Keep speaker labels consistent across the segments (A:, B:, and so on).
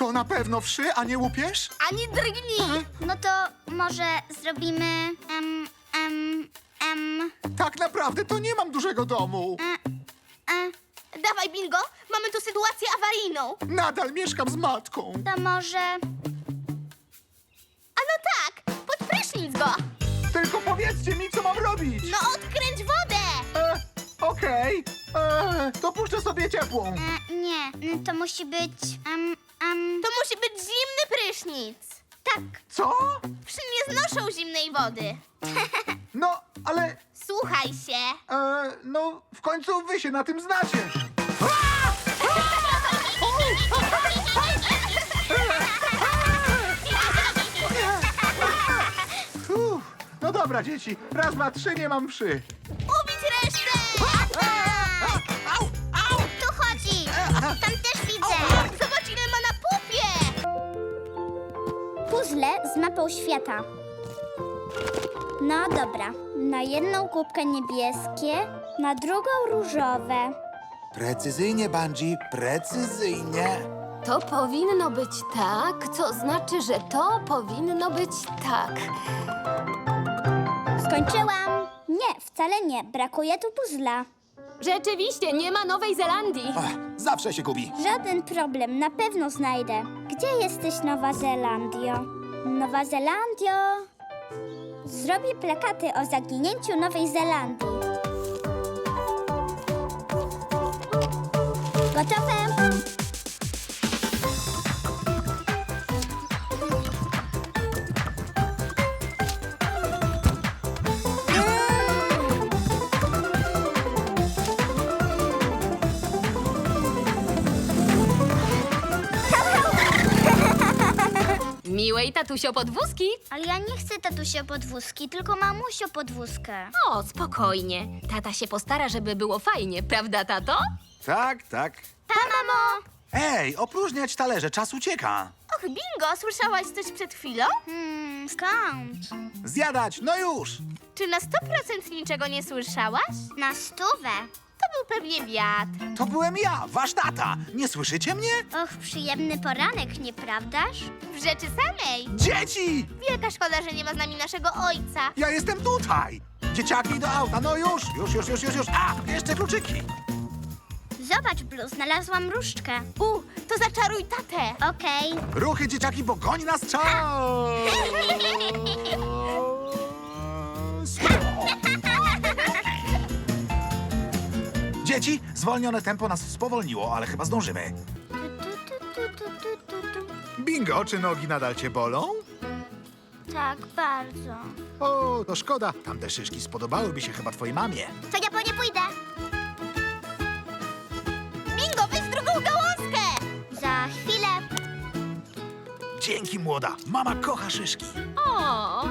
A: To na pewno wszy, a nie łupież?
B: Ani drgnij!
C: No to może zrobimy...
A: Tak naprawdę to nie mam dużego domu.
B: Dawaj, Bingo, mamy tu sytuację awaryjną.
A: Nadal mieszkam z matką.
C: To może...
B: A no tak, pod prysznic go.
A: Tylko powiedzcie mi, co mam robić.
B: No odkręć wodę.
A: Okej. To puszczę sobie ciepłą.
C: nie, to musi być...
B: To musi być zimny prysznic.
C: tak.
A: Co?
B: Wszy nie znoszą zimnej wody.
A: No, ale...
B: Słuchaj się.
A: No, w końcu wy się na tym znacie. No dobra, dzieci. Raz, dwa, trzy, nie mam wszy.
B: Ubić resztę.
C: Tu chodzi! Tam też widzę!
B: Zobacz, ile ma na pupie.
C: Puzzle z mapą świata. No dobra. Na jedną kubkę niebieskie, na drugą różowe.
A: Precyzyjnie, Bungie, precyzyjnie.
D: To powinno być tak, co znaczy, że to powinno być tak.
C: Skończyłam! Nie, wcale nie. Brakuje tu puzzla.
D: Rzeczywiście, nie ma Nowej Zelandii.
A: Zawsze się gubi.
C: Żaden problem, na pewno znajdę. Gdzie jesteś, Nowa Zelandio? Nowa Zelandio? Zrobię plakaty o zaginięciu Nowej Zelandii. Gotowe?
D: Miłej tatusio podwózki.
C: Ale ja nie chcę tatusio podwózki, tylko mamusio podwózkę.
D: O, spokojnie. Tata się postara, żeby było fajnie, prawda, tato?
A: Tak, tak.
C: Pa, mamo!
A: Ej, opróżniać talerze, czas ucieka.
B: Och, Bingo, słyszałaś coś przed chwilą?
C: Skąd?
A: Zjadać, no już.
B: Czy na 100% niczego nie słyszałaś?
C: Na 100.
B: To był pewnie wiatr.
A: To byłem ja, wasz tata. Nie słyszycie mnie?
C: Och, przyjemny poranek, nieprawdaż?
B: W rzeczy samej.
A: Dzieci!
B: Wielka szkoda, że nie ma z nami naszego ojca.
A: Ja jestem tutaj. Dzieciaki do auta, no już. A, jeszcze kluczyki.
C: Zobacz, Blue, znalazłam różdżkę.
B: To zaczaruj tatę.
C: Okej.
A: Ruchy, dzieciaki, bo goni nas czas. Dzieci, zwolnione tempo nas spowolniło, ale chyba zdążymy. Bingo, czy nogi nadal cię bolą?
C: Tak, bardzo.
A: O, to szkoda. Tamte szyszki spodobałyby się chyba twojej mamie.
C: To ja po nie pójdę.
B: Bingo, weź drugą gałązkę.
C: Za chwilę.
A: Dzięki, młoda. Mama kocha szyszki.
D: O,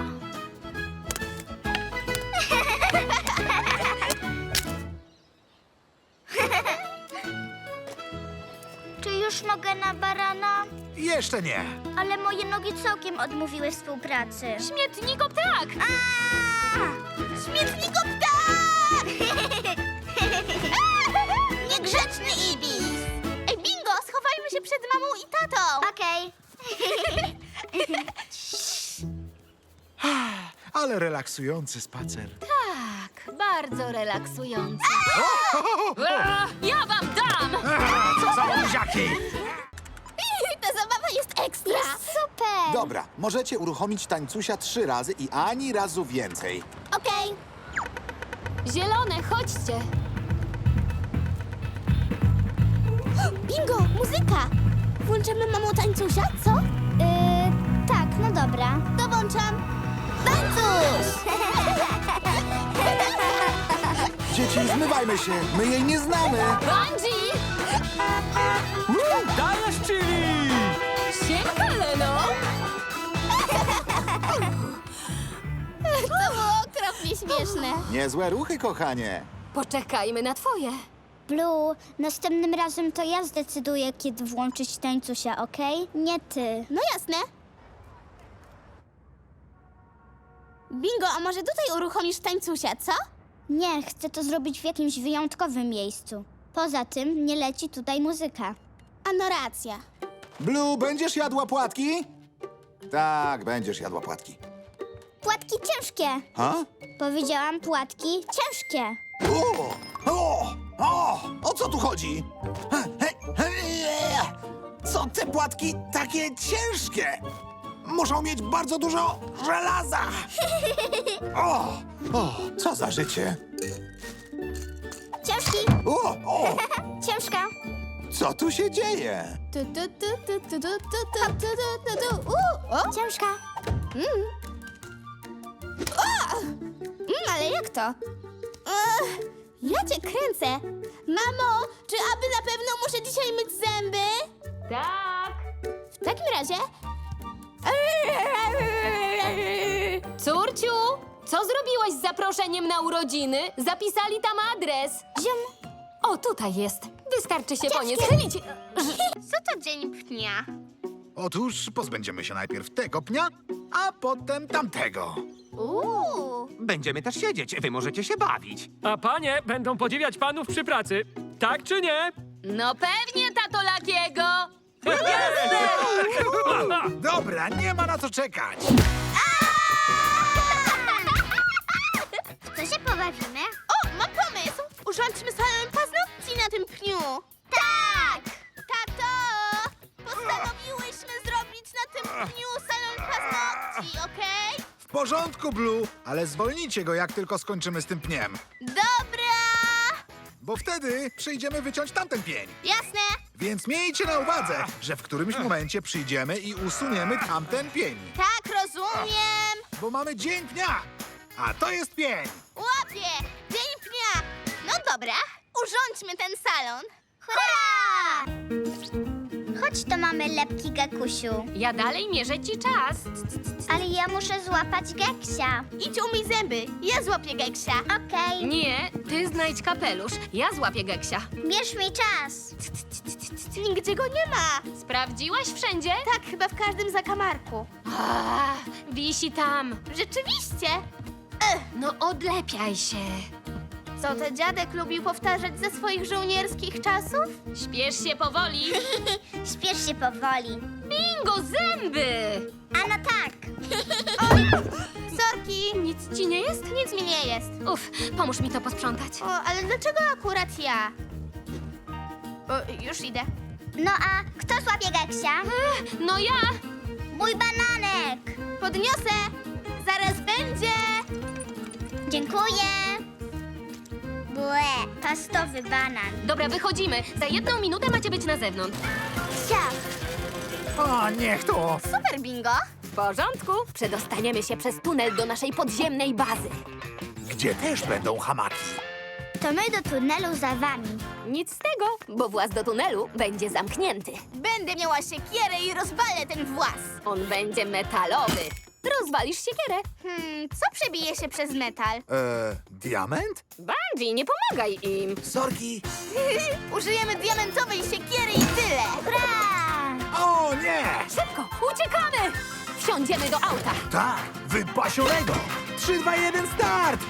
C: Czy już mogę na barana?
A: Jeszcze nie.
C: Ale moje nogi całkiem odmówiły współpracy.
D: śmietnikop tak!
B: Śmietniko ptak! Niegrzeczny Ibis. Ej, Bingo, schowajmy się przed mamą i tatą.
C: Okej.
A: Ale relaksujący spacer.
D: Tak, bardzo relaksujący. Ja wam dam!
A: Co za buziaki!
B: Ta zabawa jest ekstra.
C: Super.
A: Dobra, możecie uruchomić tańcusia 3 razy i ani razu więcej.
B: Okej.
D: Zielone, chodźcie.
B: Bingo, muzyka. Włączymy mamą tańcusia, co?
C: Tak, no dobra.
B: To włączam. Tańcuś!
A: Dzieci, zmywajmy się. My jej nie znamy.
D: Bungie!
A: Dajesz, chili!
D: Siemka, Leno!
B: To było okropnie śmieszne.
A: Niezłe ruchy, kochanie.
D: Poczekajmy na twoje.
C: Blue, następnym razem to ja zdecyduję, kiedy włączyć tańcusia, okej? Nie ty.
B: No jasne. Bingo, a może tutaj uruchomisz tańcusia, co?
C: Nie, chcę to zrobić w jakimś wyjątkowym miejscu. Poza tym nie leci tutaj muzyka.
B: A no racja.
A: Blue, będziesz jadła płatki? Tak, będziesz jadła płatki.
C: Płatki ciężkie.
A: Ha?
C: Powiedziałam płatki ciężkie.
A: O co tu chodzi? Co te płatki takie ciężkie? Muszą mieć bardzo dużo żelaza. O, co za życie.
C: Ciężki,
A: O,
C: ciężka.
A: co tu się dzieje?
C: Ciężka.
B: Ale jak to? Ja cię kręcę. Mamo, czy aby na pewno muszę dzisiaj myć zęby?
D: Tak.
B: W takim razie...
D: Córciu, co zrobiłaś z zaproszeniem na urodziny? Zapisali tam adres.
C: Ziom.
D: O, tutaj jest. Wystarczy się po nie schylić.
B: Co to dzień pnia?
A: Otóż pozbędziemy się najpierw tego pnia, a potem tamtego.
E: Będziemy też siedzieć, wy możecie się bawić.
F: A panie będą podziwiać panów przy pracy. Tak czy nie?
D: No pewnie, tato Lakiego.
A: Dobra, nie ma na co czekać.
C: W co się pobawimy?
B: O, mam pomysł! Urządźmy salon paznokci na tym pniu.
C: Tak!
B: Tato! Postanowiłyśmy zrobić na tym pniu salon paznokci, okej?
A: W porządku, Blue, ale zwolnijcie go, jak tylko skończymy z tym pniem.
B: Dobra!
A: Bo wtedy przyjdziemy wyciąć tamten pień.
B: Jasne?
A: Więc miejcie na uwadze, że w którymś momencie przyjdziemy i usuniemy tamten pień.
B: Tak, rozumiem.
A: Bo mamy dzień pnia, a to jest pień.
B: Łapię! Dzień pnia! No dobra, urządźmy ten salon.
C: Hurra! Chodź, to mamy lepki, Gekusiu.
D: Ja dalej mierzę ci czas.
C: Ale ja muszę złapać Geksia.
B: Idź umyj zęby, ja złapię Geksia.
C: Okej,
D: Nie, ty znajdź kapelusz. Ja złapię Geksia.
C: bierz mi czas.
B: Nigdzie go nie ma.
D: Sprawdziłaś wszędzie?
B: Tak, chyba w każdym zakamarku.
D: A, wisi tam.
B: Rzeczywiście.
D: No odlepiaj się.
B: Co to dziadek lubił powtarzać ze swoich żołnierskich czasów?
D: Śpiesz się powoli.
C: Śpiesz się powoli.
D: Bingo, zęby!
C: A no tak.
B: Sorki,
D: Nic ci nie jest?
B: nic mi nie jest.
D: Uf, pomóż mi to posprzątać.
B: O, ale dlaczego akurat ja? O, już idę.
C: No a kto złapie Geksia?
D: No ja!
C: Mój bananek.
B: Podniosę. Zaraz będzie.
C: Dziękuję. Błe, pastowy banan.
D: Dobra, wychodzimy. Za 1 minutę macie być na zewnątrz.
C: Siap.
A: O, niech to.
B: Super, bingo.
D: W porządku. Przedostaniemy się przez tunel do naszej podziemnej bazy.
A: Gdzie też będą hamaki.
C: To my do tunelu za wami.
D: Nic z tego, bo właz do tunelu będzie zamknięty.
B: Będę miała siekierę i rozbalę ten włas.
D: On będzie metalowy. Rozwalisz siekierę.
B: Co przebije się przez metal?
A: Diament?
D: Bungie, nie pomagaj im.
A: Sorki.
B: Użyjemy diamentowej siekiery i tyle.
C: Hurra!
A: O, nie!
D: Szybko, uciekamy! Wsiądziemy do auta.
A: Tak, wypasionego. 3, 2, 1, start!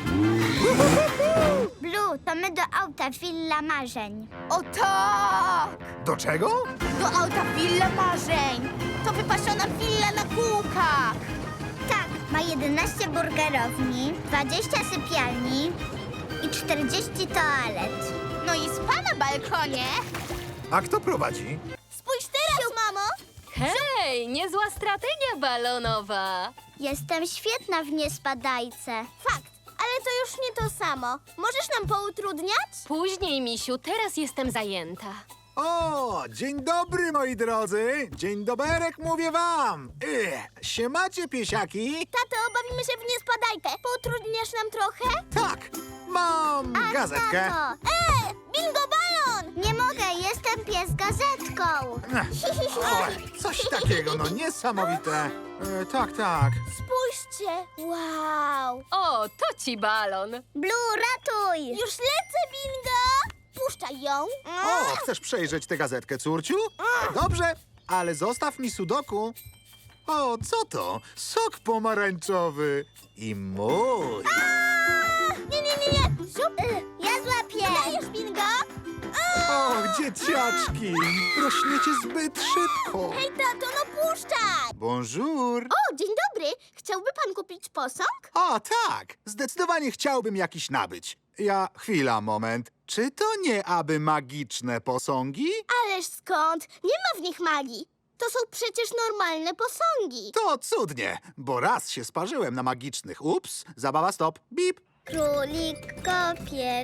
C: Blue, to my do auta Villa Marzeń.
B: O tak!
A: Do czego?
B: Do auta Willa Marzeń. To wypasiona willa na kółkach.
C: Tak, ma 11 burgerowni, 20 sypialni i 40 toalet.
B: No i spa na balkonie.
A: A kto prowadzi?
B: Spójrz teraz, mamo.
D: Hej, niezła strategia balonowa.
C: Jestem świetna w niespadajce.
B: Fakt, ale to już nie to samo. Możesz nam poutrudniać?
D: Później, misiu, teraz jestem zajęta.
A: O, dzień dobry, moi drodzy. Dzień doberek, mówię wam. Siemacie, piesiaki?
B: Tato, bawimy się w niespadajkę. Poutrudniasz nam trochę?
A: Tak, mam gazetkę.
C: Tato,
B: Bingo balon!
C: nie mogę, jestem pies gazetką.
A: Oj, coś takiego, no niesamowite. Tak, tak.
B: Spójrzcie. Wow.
D: O, to ci balon.
C: Blue, ratuj!
B: Już lecę, bingo. Puszczaj ją.
A: O, chcesz przejrzeć tę gazetkę, córciu? Dobrze, ale zostaw mi sudoku. O, co to? Sok pomarańczowy. I mój.
B: Nie. Ziup.
C: Ja złapię.
B: Dajesz, bingo.
A: Och, dzieciaczki, rośniecie zbyt szybko.
B: Hej, tato, no puszczaj!
A: Bonjour.
B: O, dzień dobry. Chciałby pan kupić posąg?
A: O, tak, zdecydowanie chciałbym jakiś nabyć. Chwila, moment. Czy to nie aby magiczne posągi?
B: Ależ skąd? Nie ma w nich magii. To są przecież normalne posągi.
A: To cudnie, bo raz się sparzyłem na magicznych. Ups, zabawa stop, bip.
C: Królik kopie,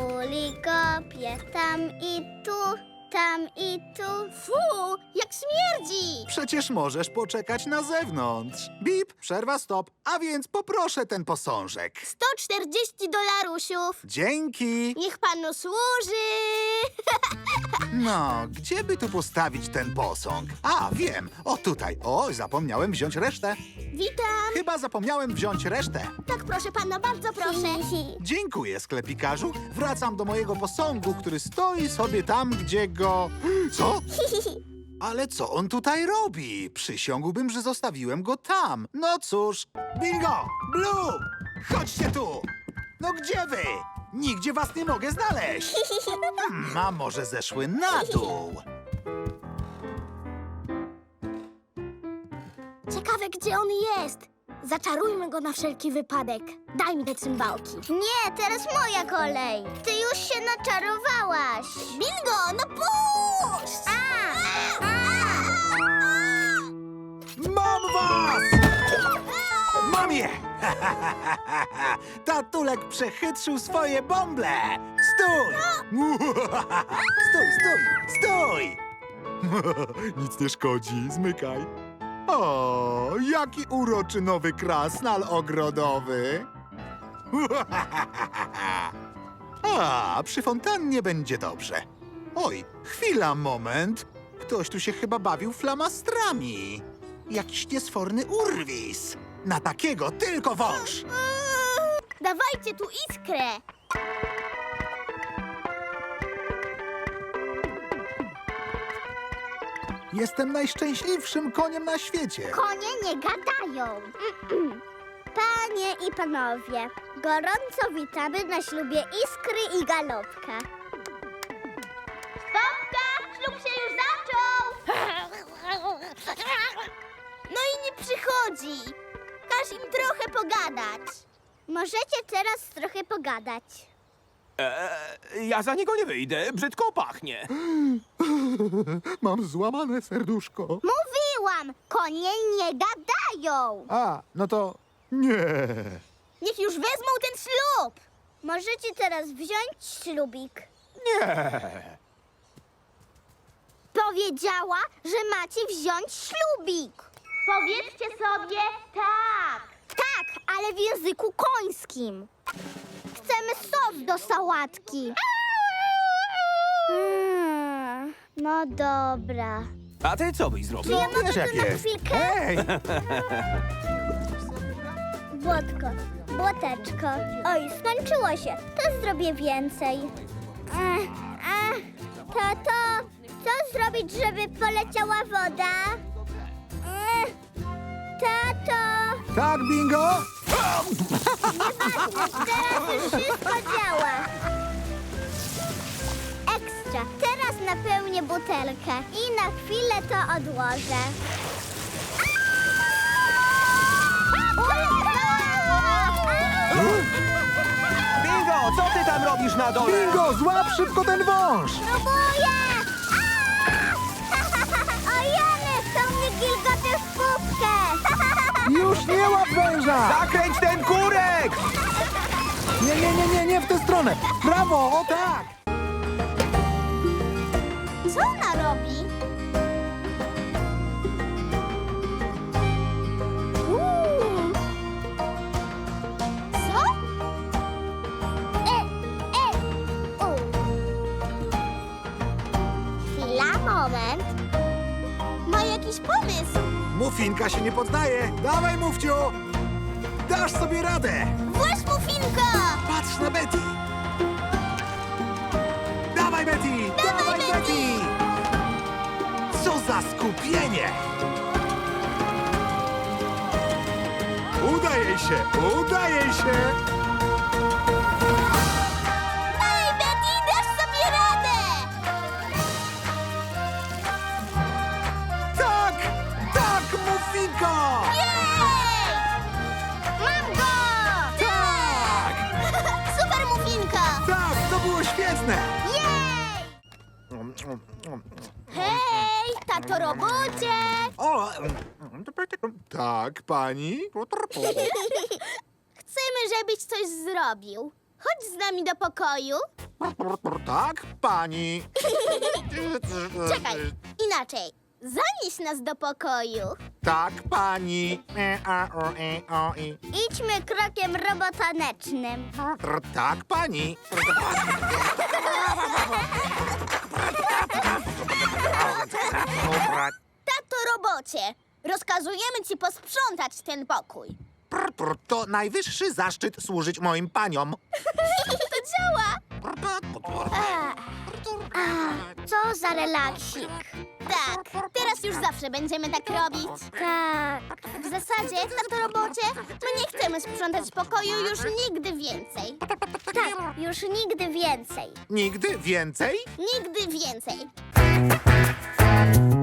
C: tam i tu, tam i tu.
B: Fu, jak śmierdzi!
A: Przecież możesz poczekać na zewnątrz. Bip, przerwa stop, a więc poproszę ten posążek.
B: $140.
A: Dzięki.
B: Niech panu służy.
A: No, gdzie by tu postawić ten posąg? A, wiem, o tutaj. O, zapomniałem wziąć resztę.
B: Witam.
A: Chyba zapomniałem wziąć resztę.
B: Tak, proszę pana, bardzo proszę.
A: Dziękuję, sklepikarzu. Wracam do mojego posągu, który stoi sobie tam, gdzie go... Co? Ale co on tutaj robi? Przysiągłbym, że zostawiłem go tam. No cóż. Bingo! Blue! Chodźcie tu! No gdzie wy? Nigdzie was nie mogę znaleźć. A może zeszły na dół?
B: Ciekawe, gdzie on jest. Zaczarujmy go na wszelki wypadek. Daj mi te cymbałki.
C: Nie, teraz moja kolej. Ty już się naczarowałaś.
B: Bingo, no puść!
A: Mam was! Mam je! Tatulek przechytrzył swoje bąble! Stój! Stój! Nic nie szkodzi, zmykaj. O, jaki uroczy nowy krasnal ogrodowy! A, przy fontannie będzie dobrze. Oj, chwila, moment. Ktoś tu się chyba bawił flamastrami. Jakiś niesforny urwis. Na takiego tylko wąż.
B: Dawajcie tu iskrę.
A: Jestem najszczęśliwszym koniem na świecie.
C: Konie nie gadają. Panie i panowie, gorąco witamy na ślubie Iskry i Galopka.
B: Stopka, ślub się już zaczął. No i nie przychodzi. Każ im trochę pogadać.
C: Możecie teraz trochę pogadać.
E: Ja za niego nie wyjdę, brzydko pachnie.
A: Mam złamane serduszko.
C: Mówiłam, konie nie gadają.
A: A, no to nie.
B: Niech już wezmą ten ślub.
C: Możecie teraz wziąć ślubik.
E: Nie.
C: Powiedziała, że macie wziąć ślubik.
B: Powiedzcie sobie tak.
C: Tak, ale w języku końskim. Chcemy sos do sałatki. No dobra.
E: A ty co byś zrobił?
C: Czy ja mogę
A: wiesz,
C: tu
A: jak
C: na
A: jest.
C: chwilkę?
A: Hej!
C: Błotko, błoteczko. Oj, skończyło się. To zrobię więcej. Tato, co zrobić, żeby poleciała woda? Tato,
A: Tak, bingo?
C: teraz już wszystko działa. Ekstra. Teraz napełnię butelkę i na chwilę to odłożę.
E: Bingo, co ty tam robisz na dole?
A: Bingo, złap szybko ten wąż!
C: Próbuję! O Jany, to mnie gilgoty w pupkę!
A: Już nie łap węża!
E: Zakręć ten kurek!
A: Nie w tę stronę! Prawo, o tak!
B: Co ona robi? Co?
C: Chwila, moment.
B: Ma jakiś pomysł.
A: Mufinka się nie poddaje! Dawaj, Mufciu! Dasz sobie radę!
B: Właś mufinka!
A: Patrz na Betty! Dawaj, Betty!
B: Dawaj, Betty!
A: Co za skupienie! Udaje się! Udaje się!
B: Ej, Betty, dasz sobie radę!
A: Szybko!
B: Mam go!
A: Tak!
B: Super mufinka!
A: Tak, to było świetne!
B: Jej! Hej, tato robocie!
A: O, tak, pani?
B: Chcemy, żebyś coś zrobił. Chodź z nami do pokoju.
A: Tak, pani?
B: Czekaj, inaczej. Zanieś nas do pokoju.
A: Tak, pani?
C: Idźmy krokiem robotanecznym.
A: Tak, pani?
B: Tato robocie, rozkazujemy ci posprzątać ten pokój.
A: To najwyższy zaszczyt służyć moim paniom.
B: To działa.
C: Co za relaksik.
B: Tak, teraz już zawsze będziemy tak robić.
C: Tak.
B: W zasadzie, tato robocie, my nie chcemy sprzątać pokoju już nigdy więcej.
C: Tak, już nigdy więcej.
A: Nigdy więcej?
B: Nigdy więcej.